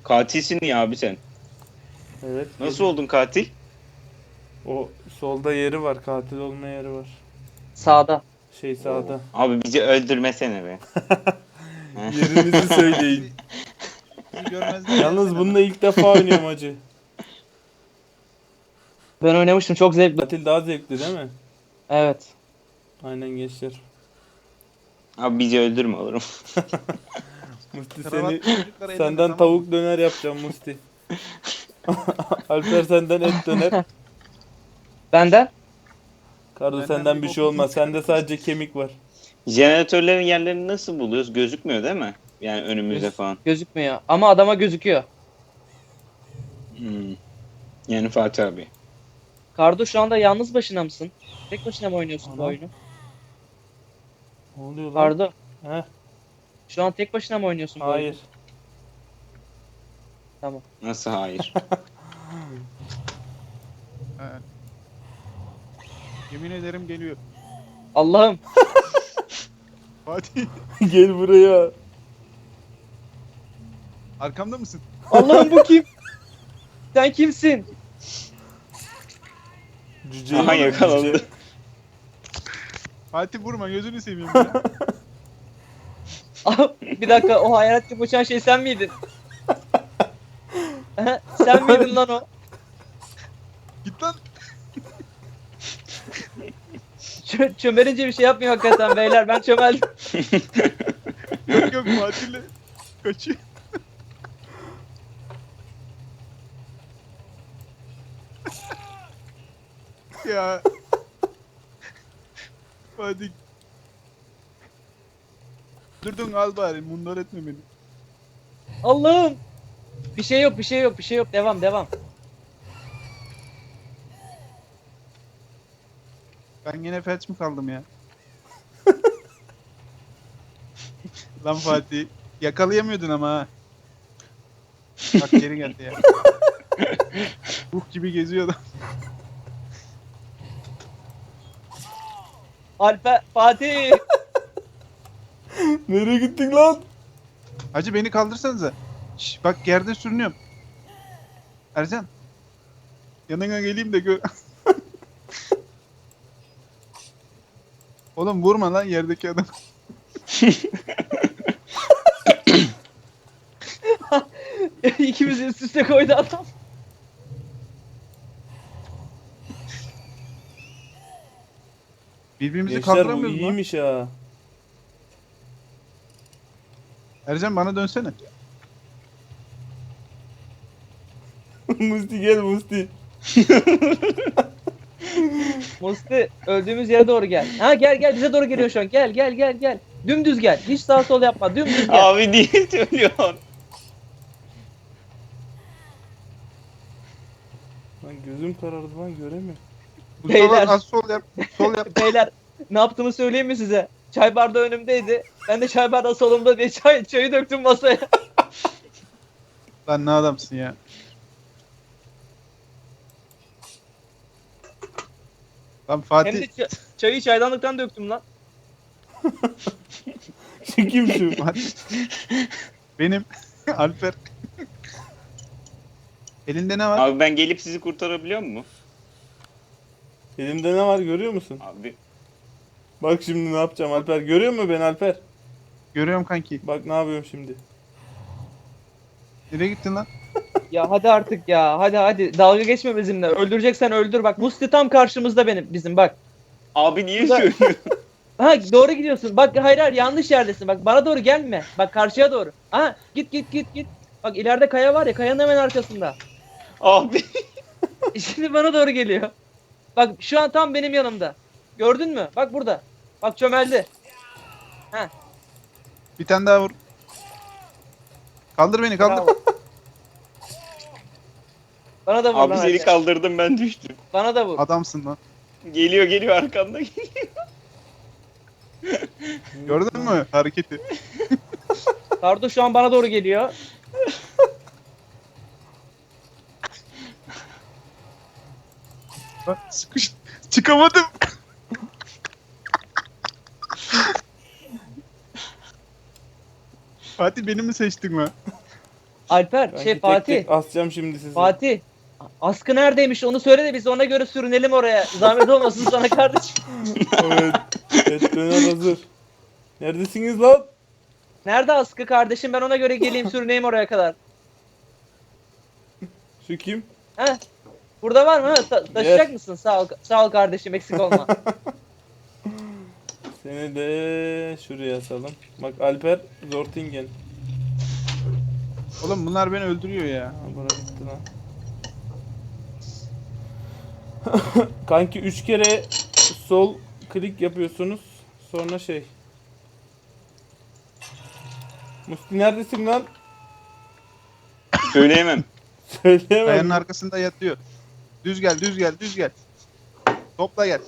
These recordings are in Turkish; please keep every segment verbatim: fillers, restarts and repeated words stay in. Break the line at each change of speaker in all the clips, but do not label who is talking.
Katilsin ya abi sen.
Evet.
Nasıl
gel-
oldun katil?
O solda yeri var. Katil olma yeri var.
Sağda.
Şey sağda.
Abi bizi öldürmesene be.
Yerinizi söyleyin.
Bizi, bizi görmezden
Yalnız
gelsene
bununla
lan.
ilk defa oynuyorum hacı.
Ben oynamıştım, çok zevkli.
Katil daha zevkli değil mi?
Evet.
Aynen gençler.
Abi bizi öldürme olurum.
Musti
Kravatlı
seni
çocuklar elinde,
senden
tamam mı?
tavuk döner yapacağım Musti. Alper senden et döner.
Benden?
Kardo
Benden
senden
bir
bir şey
bokun
olmaz.
yok.
Sende sadece kemik var.
Jeneratörlerin yerlerini nasıl buluyoruz? Gözükmüyor değil mi? Yani önümüzde
Göz-
falan.
Gözükmüyor. Ama adama gözüküyor.
Hmm. Yani Fatih abi.
Kardo, şu anda yalnız başına mısın? Tek başına mı oynuyorsun bu
Ana.
oyunu?
Ne oluyor lan?
Kardo,
Heh,
şu an tek başına mı oynuyorsun bu oyunu?
hayır.
Tamam.
Nasıl hayır?
Evet. Yemin ederim geliyor.
Allah'ım.
Fatih
Gel buraya.
arkamda mısın?
Allah'ım, bu kim? Sen kimsin?
Cüce.
Aha, yakalandı.
cüce.
Fatih vurma, gözünü seveyim ya.
Ah, bir dakika, o hayalet gibi uçan şey sen miydin? Sen miydin lan o?
Git lan.
Çö çömelince bir şey yapmıyor hakikaten beyler, ben çömeldim.
Yok yok, Fatih'le kaçıyor. Ya. Fatih. Durdun, al bari, mundar etme beni.
Allah'ım. Bir şey yok, bir şey yok, bir şey yok. Devam, devam.
Ben yine felç mi kaldım ya? Lan Fatih, yakalayamıyordun ama ha. Bak geri geldi ya. Ruh gibi geziyor adam.
Alper, Fatih.
Nereye gittin lan?
Hacı beni kaldırsanıza. Şş, bak yerde sürünüyorum. Ercan. Yanına geleyim de gör. Oğlum vurma lan yerdeki adam.
İkimizi üst üste koydu adam.
Birbirimizi
Gençler bu
kaldıramıyoruz lan.
iyiymiş ha.
Ercan bana dönsene.
Musti gel Musti.
Musti, öldüğümüz yere doğru gel. Ha, gel gel, bize doğru geliyor şu an. Gel gel gel gel. Dümdüz gel. Hiç sağ sol yapma. Dümdüz gel.
Abi niye söylüyorsun?
Lan gözüm karardı lan göremiyorum.
Mustafa
Beyler.
az sol yap. Sol yap.
Beyler, ne yaptığımı söyleyeyim mi size? Çay bardağı önümdeydi. Ben de çay bardağı solumda diye çay, çayı döktüm masaya.
Lan ne adamsın ya. Lan
Hem de
Fatih.
ça- çayı çaydanlıktan döktüm lan.
Şu kim şu?
Fatih. Benim. Alper. Elinde ne var?
Abi ben gelip sizi kurtarabiliyor mu?
Elimde ne var görüyor musun?
Abi
Bak şimdi ne yapacağım Alper. Görüyor musun beni Alper?
Görüyorum kanki.
Bak ne yapıyorum şimdi.
Nereye gittin lan?
Ya hadi artık ya. Hadi hadi. Dalga geçme bizimle. Öldüreceksen öldür. Bak, Musti tam karşımızda benim bizim bak.
abi niye
Ulan-
söylüyorsun?
Ha, doğru gidiyorsun. Bak, hayır hayır, yanlış yerdesin. Bak, bana doğru gelme. Bak, karşıya doğru. Ha, git git git git. Bak, ileride kaya var ya, kayanın hemen arkasında.
Abi.
Şimdi bana doğru geliyor. Bak, şu an tam benim yanımda. Gördün mü? Bak burada. Bak, çömeldi.
Bir tane daha vur. Kaldır beni, kaldır.
Bravo. Bana da vur
Abi
lan
seni
Alper.
kaldırdım, ben düştüm.
Bana da vur.
Adamsın lan.
Geliyor geliyor arkamda.
Gördün mü hareketi?
Kardo şu an bana doğru geliyor.
Bak sıkış. Çıkamadım. Fatih beni mi seçtin mi?
Alper
Ben
şey
tek
Fatih.
tek asacağım şimdi sizi.
Fatih. Askı neredeymiş onu söyle de biz ona göre sürünelim oraya. Zahmet olmasın sana kardeşim.
Evet. Et döner hazır. Neredesiniz lan?
Nerede askı kardeşim ben ona göre geleyim sürüneyim oraya kadar.
Şu kim?
He? Burada var mı? Ha, ta- taşıyacak
Yes.
mısın? Sağ ol, sağ ol kardeşim eksik olma.
Seni de şuraya asalım. Bak Alper Zortingen.
Oğlum bunlar beni öldürüyor ya.
Ha, bura gitti lan. Kanki üç kere sol klik yapıyorsunuz. Sonra şey. Musti neredesin lan?
Söyleyemem.
Söyleyemem.
Kayanın arkasında yatıyor. Düz gel, düz gel, düz gel. Topla gel.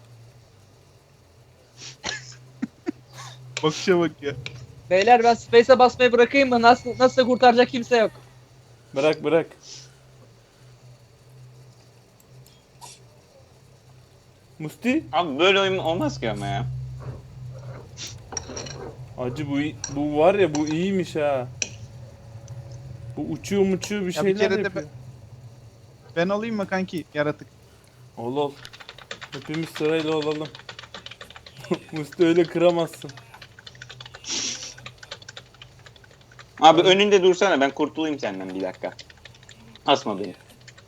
Bakışa bak ya.
Beyler ben space'e basmayı bırakayım mı? Nasıl nasıl kurtaracak kimse yok.
Bırak bırak. Musti?
Abi böyle oyun olmaz ki ama ya.
Acı bu iyi- bu var ya bu iyiymiş ha. Bu uçuyor uçuyor bir
Ya bir
şeyler
kere de
yapıyor.
Ben alayım mı kanki yaratık?
Ol ol. Hepimiz sırayla olalım. Musti öyle kıramazsın.
Abi önünde dursana ben kurtulayım senden bir dakika. Asma beni.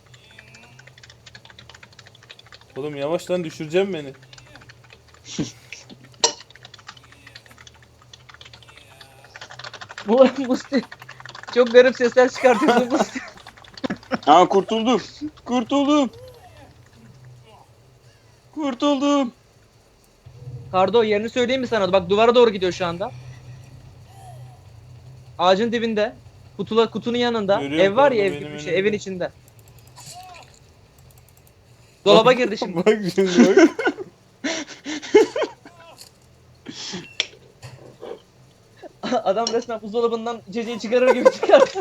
Oğlum yavaş lan düşüreceğim beni.
Bu Musti çok garip sesler çıkartıyorsun Musti.
Aa kurtuldum. Kurtuldum. Kurtuldum.
Kardo yerini söyleyeyim mi sana? Bak duvara doğru gidiyor şu anda. Ağacın dibinde. Kutula, kutunun yanında.
Görüyorum
Ev var ya
Kardo
ev
benim
gibi bir şey.
önümde.
Evin içinde. Dolaba girdi şimdi.
Bak şimdi bak.
Adam resmen buzdolabından içeceği çıkarır gibi çıkarttı.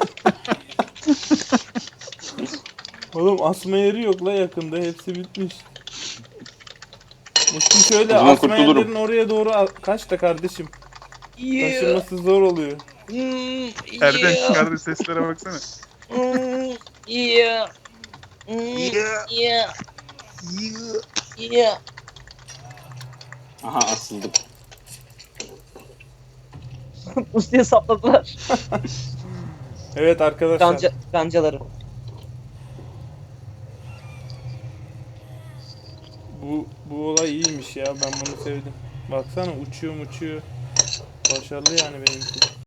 Oğlum asma yeri yok la yakında. Hepsi bitmiş. Musti şöyle
O zaman
asma
kurtulurum.
yerlerin oraya doğru al- kaç da kardeşim. Taşınması zor oluyor.
Hmm,
Erden
yeah,
çıkardığı seslere baksana.
hmm, yeah, hmm,
Yeah.
yeah, yeah.
Aha asıldım.
Musti'ye sapladılar.
Evet arkadaşlar.
Kanca, kancaları.
Bu bu olay iyiymiş ya. Ben bunu sevdim. Baksana uçuyor uçuyor. Başarılı yani benimki.